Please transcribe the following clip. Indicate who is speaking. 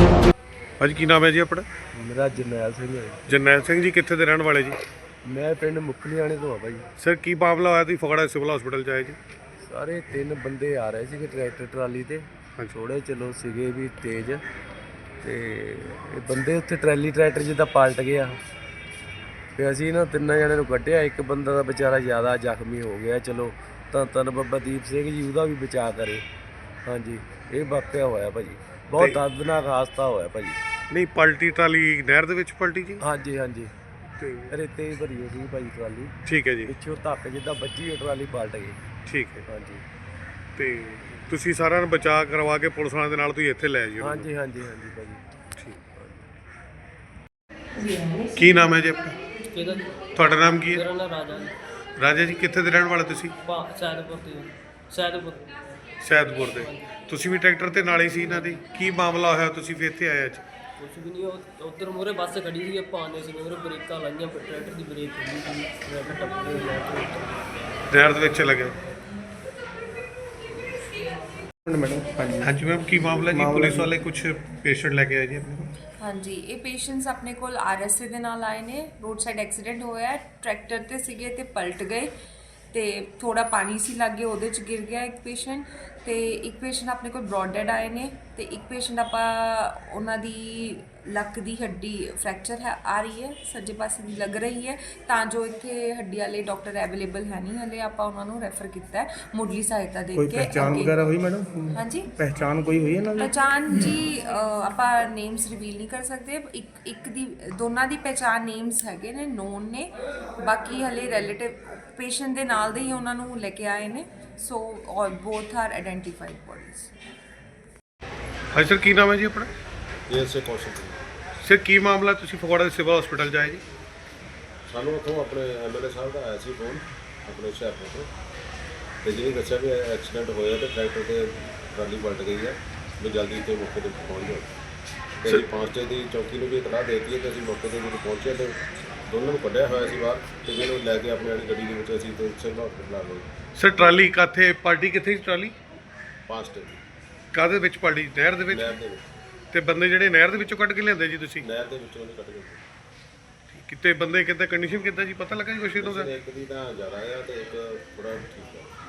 Speaker 1: ਭਾਜੀ ਕੀ ਨਾਮ ਹੈ ਜੀ ਆਪਣਾ?
Speaker 2: ਮੇਰਾ ਜਰਨੈਲ ਸਿੰਘ ਹੈ।
Speaker 1: ਜਰਨੈਲ ਸਿੰਘ ਜੀ ਕਿੱਥੇ ਦੇ ਰਹਿਣ ਵਾਲੇ ਜੀ?
Speaker 2: ਮੈਂ ਪਿੰਡ ਮੁਕਲੀਆਣੇ ਤੋਂ ਆ ਭਾਈ।
Speaker 1: ਸਰ ਕੀ ਮਾਮਲਾ ਹੋਇਆ ਤੁਸੀਂ ਫਗਵਾੜਾ ਸਿਵਲ ਹਸਪੀਟਲ 'ਚ ਆਏ ਜੀ?
Speaker 2: ਸਾਰੇ 3 ਬੰਦੇ ਆ ਰਹੇ ਸੀਗੇ ਟਰੈਕਟਰ ਟਰਾਲੀ ਤੇ। ਥੋੜੇ ਚਲੋ ਸੀਗੇ ਵੀ ਤੇਜ਼, ਤੇ ਇਹ ਬੰਦੇ ਉੱਥੇ ਟਰੈਕਟਰ ਜਿੱਦਾਂ ਪਲਟ ਗਿਆ। ਤੇ ਅਸੀਂ ਨਾ 3 ਜਣਿਆਂ ਨੂੰ ਕੱਢਿਆ। ਇੱਕ ਬੰਦਾ ਦਾ ਵਿਚਾਰਾ ਜ਼ਿਆਦਾ ਜ਼ਖਮੀ ਹੋ ਗਿਆ। ਚਲੋ ਧੰਨ ਬਾਬਾ ਦੀਪ ਸਿੰਘ ਜੀ ਉਹਦਾ ਵੀ ਬਚਾਅ ਕਰੇ। ਹਾਂਜੀ, ਇਹ ਵਾਕਿਆ ਹੋਇਆ ਭਾਜੀ, ਬਹੁਤ ਦਰਦਨਾਕ ਹਾਦਸਾ ਹੋਇਆ ਭਾਜੀ।
Speaker 1: ਨਹੀਂ ਪਲਟੀ ਟਰਾਲੀ ਨਹਿਰ ਦੇ ਵਿੱਚ ਪਲਟੀ ਜੀ?
Speaker 2: ਹਾਂਜੀ ਹਾਂਜੀ,
Speaker 1: ਤੇ
Speaker 2: ਰੇਤੇ ਦੀ ਭਰੀ ਹੋਈ ਭਾਜੀ ਟਰਾਲੀ।
Speaker 1: ਠੀਕ ਹੈ ਜੀ।
Speaker 2: ਪਿੱਛੋਂ ਧੱਕ ਜਿੱਦਾਂ ਵੱਜੀ ਹੋਈ ਟਰਾਲੀ ਪਲਟ ਗਈ।
Speaker 1: ਠੀਕ ਹੈ।
Speaker 2: ਹਾਂਜੀ,
Speaker 1: ਤੇ ਤੁਸੀਂ ਸਾਰਿਆਂ ਨੂੰ ਬਚਾਅ ਕਰਵਾ ਕੇ ਪੁਲਿਸ ਵਾਲਿਆਂ ਦੇ ਨਾਲ ਤੁਸੀਂ ਇੱਥੇ ਲੈ ਜਿਓ?
Speaker 2: ਹਾਂਜੀ ਹਾਂਜੀ ਹਾਂਜੀ ਭਾਜੀ।
Speaker 1: ਠੀਕ। ਕੀ ਨਾਮ ਹੈ ਜੀ ਆਪਣਾ? ਤੁਹਾਡਾ ਨਾਮ ਕੀ ਹੈ?
Speaker 3: ਮੇਰਾ ਨਾਮ ਰਾਜਾ
Speaker 1: ਰਾਜਾ ਜੀ ਕਿੱਥੇ ਦੇ ਰਹਿਣ ਵਾਲੇ ਤੁਸੀਂ?
Speaker 3: ਸੈਦਪੁਰ
Speaker 1: ਸੈਦਪੁਰ ਦੇ। ਤੁਸੀਂ ਵੀ ਟਰੈਕਟਰ ਤੇ ਨਾਲ ਹੀ ਸੀ ਇਹਨਾਂ ਦੇ? ਕੀ ਮਾਮਲਾ ਹੋਇਆ ਤੁਸੀਂ ਫਿਰ ਇੱਥੇ ਆਏ ਅੱਜ?
Speaker 3: ਕੁਛ ਵੀ ਨਹੀਂ, ਉੱਧਰ ਮੂਹਰੇ ਬੱਸ ਖੜੀ ਸੀ, ਆਪਾਂ ਆਉਂਦੇ ਸੀ ਮੂਹਰੇ ਬ੍ਰੇਕਾਂ ਲਾਈਆਂ, ਟਰੈਕਟਰ ਦੀ ਬ੍ਰੇਕ ਖੁੱਲੀ ਸੀ, ਟਰੈਕਟਰ ਟੱਪ ਗਿਆ।
Speaker 1: ਨਹਿਰ ਦੇ ਵਿੱਚ ਚਲਾ ਗਿਆ?
Speaker 2: ਮੈਡਮ ਹਾਂਜੀ
Speaker 1: ਹਾਂਜੀ ਮੈਮ ਕੀ ਮਾਮਲਾ ਜੀ? ਪੁਲਿਸ ਵਾਲੇ ਕੁਝ ਪੇਸ਼ੈਂਟ ਲੈ ਕੇ ਆਏ ਜੀ ਆਪਣੇ ਕੋਲ?
Speaker 4: ਹਾਂਜੀ, ਇਹ ਪੇਸ਼ੈਂਟਸ ਆਪਣੇ ਕੋਲ ਆਰਐਸਏ ਦੇ ਨਾਲ ਆਏ ਨੇ। ਰੋਡ ਸਾਈਡ ਐਕਸੀਡੈਂਟ ਹੋਇਆ, ਟਰੈਕਟਰ ਤੇ ਸੀਗੇ ਤੇ ਪਲਟ ਗਏ, ਤੇ ਥੋੜਾ ਪਾਣੀ ਸੀ ਲੱਗੇ, ਉਹਦੇ ਚ ਗਿਰ ਗਿਆ ਇੱਕ ਪੇਸ਼ੈਂਟ। ਤੇ ਇੱਕ ਪੇਸ਼ੈਂਟ ਆਪਣੇ ਕੋਲ ਬ੍ਰੌਡ ਡੈਡ ਆਏ ਨੇ, ਤੇ ਇੱਕ ਪੇਸ਼ੈਂਟ ਆਪਾਂ ਉਹਨਾਂ ਦੀ ਲੱਕ ਦੀ ਹੱਡੀ ਫ੍ਰੈਕਚਰ ਹੈ ਆ ਰਹੀ ਹੈ, ਸੱਜੇ ਪਾਸੇ ਦੀ ਲੱਗ ਰਹੀ ਹੈ, ਤਾਂ ਜੋ ਇੱਥੇ ਹੱਡੀ ਵਾਲੇ ਡਾਕਟਰ ਅਵੇਲੇਬਲ ਹੈ ਨਹੀਂ ਹਲੇ, ਆਪਾਂ ਉਹਨਾਂ ਨੂੰ ਰੈਫਰ ਕੀਤਾ ਹੈ ਮੁੱਢਲੀ ਸਹਾਇਤਾ ਦੇ ਕੇ।
Speaker 2: ਪਹਿਚਾਣ ਵਗੈਰਾ ਹੋਈ ਮੈਡਮ?
Speaker 4: ਹਾਂਜੀ,
Speaker 2: ਪਹਿਚਾਣ ਕੋਈ ਹੋਈ ਇਹਨਾਂ ਦੀ?
Speaker 4: ਪਹਿਚਾਣ ਜੀ ਆਪਾਂ ਨੇਮਸ ਰਿਵੀਲ ਨਹੀਂ ਕਰ ਸਕਦੇ। ਇੱਕ ਦੀ ਦੋਨਾਂ ਦੀ ਪਹਿਚਾਣ ਨੇਮਸ ਹੈਗੇ ਨੇ, ਨੋਨ ਨੇ। ਬਾਕੀ ਹਲੇ ਰਿਲੇਟਿਵ ਪੇਸ਼ੈਂਟ ਦੇ ਨਾਲ ਦੇ ਹੀ ਉਹਨਾਂ ਨੂੰ ਲੈ ਕੇ ਆਏ ਨੇ। So all both are identified bodies.
Speaker 1: ਹਾਂਜੀ ਸਰ ਕੀ ਨਾਮ ਹੈ ਜੀ ਆਪਣਾ?
Speaker 5: ਇਸੇ ਕੌਸ਼ਲ
Speaker 1: ਸਰ ਕੀ ਮਾਮਲਾ ਤੁਸੀਂ ਫਗਵਾੜਾ ਦੇ ਸਿਵਲ ਹਸਪੀਟਲ 'ਚ ਆਏ ਜੀ?
Speaker 5: ਸਾਨੂੰ ਉੱਥੋਂ ਆਪਣੇ ਐਮਐਲਏ ਸਾਹਿਬ ਦਾ ਆਇਆ ਸੀ ਫੋਨ ਆਪਣੇ ਹੁਸ਼ਿਆਰਪੁਰ ਤੋਂ, ਤੇ ਜਿਹਨੇ ਦੱਸਿਆ ਵੀ ਐਕਸੀਡੈਂਟ ਹੋਇਆ ਤੇ ਟਰੈਕਟਰ ਤੇ ਟਰਾਲੀ ਪਲਟ ਗਈ ਹੈ, ਵੀ ਜਲਦੀ ਇੱਥੇ ਮੌਕੇ 'ਤੇ ਪਹੁੰਚ ਜਾਓ। ਤੇ ਅਸੀਂ 5 ਦੀ ਚੌਕੀ ਨੂੰ ਵੀ ਇਤਲਾਹ ਦੇ ਦਿੱਤੀ ਹੈ, ਤੇ ਅਸੀਂ ਮੌਕੇ 'ਤੇ ਜਦੋਂ ਪਹੁੰਚੇ ਤੇ ਦੋਨਾਂ ਨੂੰ ਕੱਢਿਆ ਹੋਇਆ ਸੀ ਬਾਹਰ, ਤੇ ਜਿਹਨੂੰ ਲੈ ਕੇ ਆਪਣੀ ਵਾਲੀ ਗੱਡੀ ਦੇ ਵਿੱਚ ਅਸੀਂ ਤੇ ਸਿਵਲ ਹਸਪੀਟਲ ਆ ਗਏ।
Speaker 1: ਸਰ ਟਰਾਲੀ ਕਾਥੇ ਪਲਟੀ? ਕਿੱਥੇ ਸੀ ਟਰਾਲੀ?
Speaker 5: 5 ਦੀ
Speaker 1: ਕਾਹਦੇ ਵਿੱਚ ਪਲਟੀ? ਨਹਿਰ ਦੇ ਵਿੱਚ?
Speaker 5: ਨਹਿਰ ਦੇ ਵਿੱਚ।
Speaker 1: ਤੇ ਬੰਦੇ ਜਿਹੜੇ ਨਹਿਰ ਦੇ ਵਿੱਚੋਂ ਕੱਢ ਕੇ ਲਿਆਂਦੇ ਜੀ ਤੁਸੀਂ?
Speaker 5: ਨਹਿਰ ਦੇ ਵਿੱਚੋਂ ਉਹਨੇ ਕੱਢ ਗਏ।
Speaker 1: ਕਿਤੇ ਬੰਦੇ ਕਿੱਦਾਂ ਕੰਡੀਸ਼ਨ ਕਿੱਦਾਂ ਜੀ, ਪਤਾ ਲੱਗਾ ਜੀ ਕੁਛ ਇਹਨਾਂ ਦਾ?
Speaker 5: ਇੱਕ ਦੀ ਤਾਂ ਜ਼ਿਆਦਾ ਆ ਤੇ ਇੱਕ ਥੋੜਾ ਠੀਕ ਹੈ।